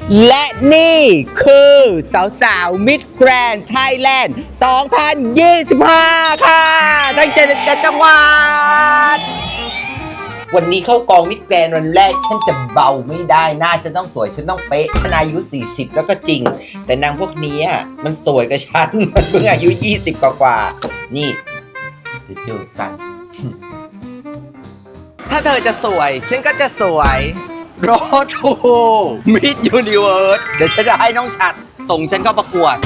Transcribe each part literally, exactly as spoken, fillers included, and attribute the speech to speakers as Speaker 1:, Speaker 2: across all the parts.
Speaker 1: และนี่คือสาวๆมิดแกรนด์ไทยแลนด์สองพันยี่สิบห้าค่ะตั้งใจจะจังหวัดวันนี้เข้ากองมิดแกรนด์วันแรกฉันจะเบาไม่ได้หน้าฉันต้องสวยฉันต้องเป๊ะฉันอายุสี่สิบแล้วก็จริงแต่นางพวกนี้มันสวยกับฉันมันเพิ่งอายุยี่สิบกว่าๆนี่จะเจอกัน ถ้าเธอจะสวยฉันก็จะสวยโรทูมิดยูนิเวิร์สเดี๋ยวฉันจะให้น้องฉัดส่งฉันเข้าประกวด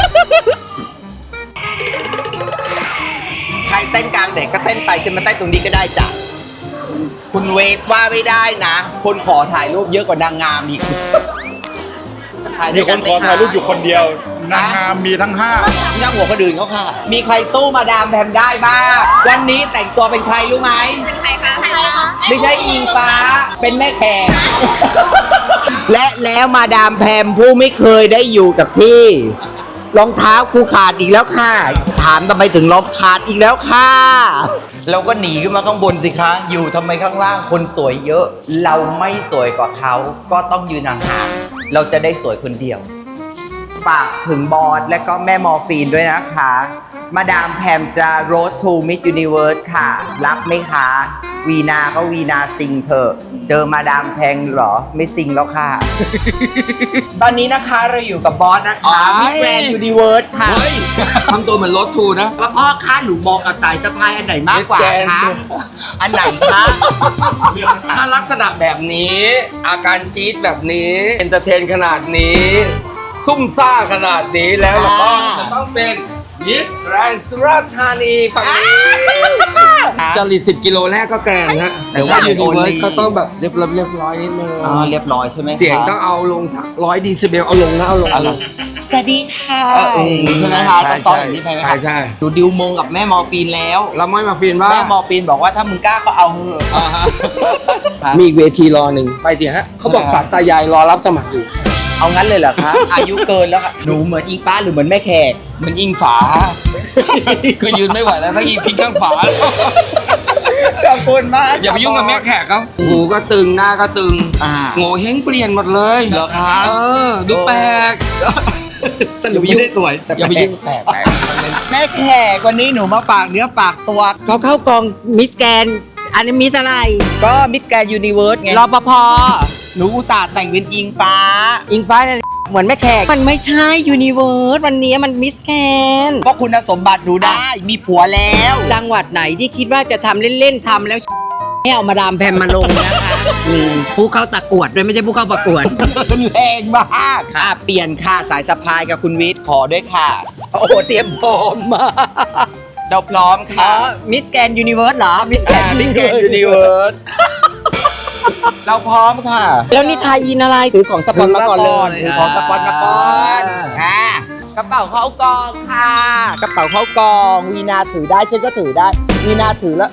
Speaker 1: ใครเต้นกลางเด็กก็เต้นไปฉันมาเต้นตรงนี้ก็ได้จ้ะคุณเวทว่าไม่ได้นะคนขอถ่ายรูปเยอะกว่านางงามอีก
Speaker 2: มีคนขอถ่ายรูปอยู่คนเดียวนางงามมีทั้งห้า
Speaker 1: ย่างหัวคนอื่นเขาค่ะมีใครสู้มาดามแพมได้บ้างวันนี้แต่งตัวเป็นใครรู้ไหมเป็นใครคะใครคะไม่ใช่อิงฟ้าเป็นแม่แขก และแล้วมาดามแพมผู้ไม่เคยได้อยู่กับที่รองเท้ากูขาดอีกแล้วค่ะถามทำไมถึงรองขาดอีกแล้วค่ะเราก็หนีขึ้นมาข้างบนสิคะอยู่ทำไมข้างล่างคนสวยเยอะเราไม่สวยกว่าเขาก็ต้องยืนห่างๆเราจะได้สวยคนเดียวฝากถึงบอสและก็แม่มอร์ฟีนด้วยนะคะมาดามแพมจะ Road to Miss Universe ค่ะรับไหมคะวีนาก็วีนาซิงเถอะเจอมาดามแพงเหรอไม่ซิงแล้วค่ะ ตอนนี้นะคะเราอยู่กับบอสนะคะมิสแกรนด์ยูนิเวิร์สค่ะ
Speaker 3: เฮ้ยทำตัวเหมือนรถทูนะ
Speaker 1: ว่าพ่อคะหนูมองกับสายสะพายอันไหนมากกว่าคะอันไหนคะ
Speaker 3: ถ้าลักษณะแบบนี้ อาการจี๊ดแบบนี้เอนเตอร์เทนขนาดนี้ ซุ่มซ่าขนาดนี้แล้วเราก็จะต้องเป็นมิสแกรนด์สุราษฎร์ธานีฝั่งนี้จริตสิบกิโลแรกก็แกรนฮะแต่ว่ายูนิเวิร์สก็ต้องแบบเรียบร้อยเรียบร้อยนิดนึง
Speaker 1: อ๋อเรียบร้อยใช่ไหม
Speaker 3: เสียงต้องเอาลงสักร้อยดีซิเบลเอาลงนะเอาลงเอาลง
Speaker 1: สวัสดีค่ะ
Speaker 3: เออ
Speaker 1: ใช่ไหมคะ
Speaker 3: ใช่
Speaker 1: ต้องซ้อนอย่างนี้ไปไหม
Speaker 3: ใช่ใช่
Speaker 1: ดูดิวมงกับแม่มอร์ฟีนแล้ว
Speaker 3: แล้วไม่มาฟีนว่า
Speaker 1: แม่มอร์ฟีนบอกว่าถ้ามึงกล้าก็เอาเหอะ
Speaker 3: อ่าฮะ
Speaker 1: ครับ
Speaker 3: มีอีกเวทีรอหนึ่งไปทีฮะเขาบอก
Speaker 1: ใช่
Speaker 3: สารตายายรอรับสมัครอยู่
Speaker 1: เอางั้นเลยเหรอคะ อายุเกินแล้วค่ะหนูเหมือนอิงฟ้าหรือเหมือนแม่แขก
Speaker 3: เหมือนอิงฝา คือยืนไม่ไหวแล้วถ้าอิงพิงข้างฝา
Speaker 1: ขอบคุณมาก
Speaker 3: อย่าไปยุ่งกับแม่แขกเขาหูก็ตึงหน้าก็ตึง
Speaker 1: อ่า
Speaker 3: โง่เฮงเปลี่ยนหมดเลย
Speaker 1: เหรอคะ
Speaker 3: เออดูแปลก
Speaker 1: สรุปไม่ได้สวยแต่
Speaker 3: อย่าไปยุ่งแปลกแปลก
Speaker 1: แม่แขกวันนี้หนูมาฝากเนื้อฝากตัว
Speaker 4: เขาเข้ากองมิสแกนอันนี้มิสอะไร
Speaker 1: ก็มิสแกรนด์ยูนิเวิร์สไง
Speaker 4: รปภ
Speaker 1: หนูอุตส่าห์แต่งเป็นอิงฟ้า
Speaker 4: อิงฟ้าเนี่ยเหมือนแม่แขกมันไม่ใช่ยูนิเวิร์สวันนี้มันมิสแกน
Speaker 1: ก็คุณสมบัติหนูได้มีผัวแล้ว
Speaker 4: จังหวัดไหนที่คิดว่าจะทำเล่นๆทำแล้วให้เอามาดามแพมมาลงนะคะอืมผู้เข้าตะกวดด้วยไม่ใช่ผู้เข้าประกวด
Speaker 1: แรงมากอ่ะเปลี่ยนค่ะสายสะพายกับคุณวิทย์ขอด้วยค่ะ
Speaker 4: โอ้โหเตรียมพร้อมมาก
Speaker 1: เราพร้อม
Speaker 4: อ๋อ
Speaker 1: ค่ะ
Speaker 4: มิสแกนยูนิเวิร์สเหรอมิสแกน
Speaker 1: มิสแกรนด์ยูนิเวิร์สเราพร้อมค่ะ
Speaker 4: แล้วนี่ไทยอินอะไรถือของสปอนมาก่อนเลย
Speaker 1: ถือของสปอนมาก่อนอ่ากระเป๋าเข้ากองค่ะ กระเป๋าเข้ากองวีนาถือได้ฉันก็ถือได้วีนาถือแล้ว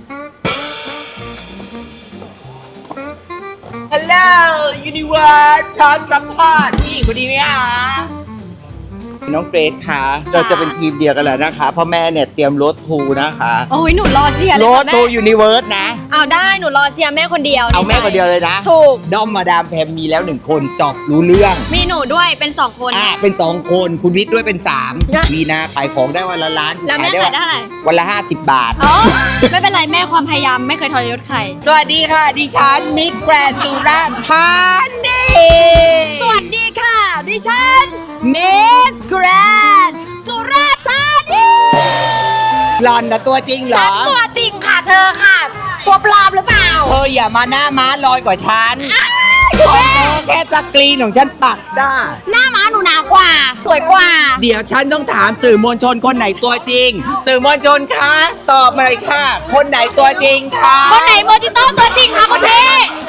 Speaker 1: ฮัลโหลยูนิเวิร์สพร้อมซัพพอร์ตผู้หญิงคนนี้ไหมคะน้องเกรซค่ะเราจะเป็นทีมเดียวกันแล้วนะคะ เพราะแม่เนี่ยเตรียมรถทูนะคะ
Speaker 5: โอ้ยหนูรอเชียร์เล
Speaker 1: ร
Speaker 5: ย
Speaker 1: ถ
Speaker 5: ค่ะแม่
Speaker 1: ทูยูนิเวิร์สนะ
Speaker 5: เอาได้หนูรอเชียร์แม่คนเดียว
Speaker 1: เอาแม่คนเดียวเลยนะ
Speaker 5: ถูก
Speaker 1: ด้อมมาดามแพมมีแล้วหนึ่งคนจบรู้เรื่อง
Speaker 5: มีหนูด้วยเป็นสองคน
Speaker 1: อ่ะเป็นสองคนคุณวิทย์ด้วยเป็นสามวีนาขายของได้วันละล้าน
Speaker 5: แล้วแม่ขายได้เท่าไหร่
Speaker 1: วันละห้าสิบบาท
Speaker 5: อ๋อไม่เป็นไรแม่ความพยายามไม่เคยทรยศใคร
Speaker 1: สวัสดีค่ะ ดิฉันมิสแกรนด์สุราษฎร์ธานี
Speaker 5: สวัสดีค่ะ ดิฉันเมสแกรนด์สุราษฎร์ธานี
Speaker 1: หลอนนะตัวจริงเหร
Speaker 5: ฉั
Speaker 1: อน
Speaker 5: ตัวจริงค่ะเธอค่ะ ตัวปลอมหรือเปล่า
Speaker 1: เธออย่ามาหน้าม้าลอยกว่าฉันเพราะเธอแค่สกรีนของฉันปักได้
Speaker 5: หน้าม้าหนูหนากว่า สวยกว่า
Speaker 1: เดี๋ยวฉันต้องถามสื่อมวลชนคนไหนตัวจริง สื่อมวลชนคะตอบมาเลยค่ะ คนไหนตัวจริงคะ
Speaker 5: คนไหนโมจิโต้ตัวจริงคะคุณพี่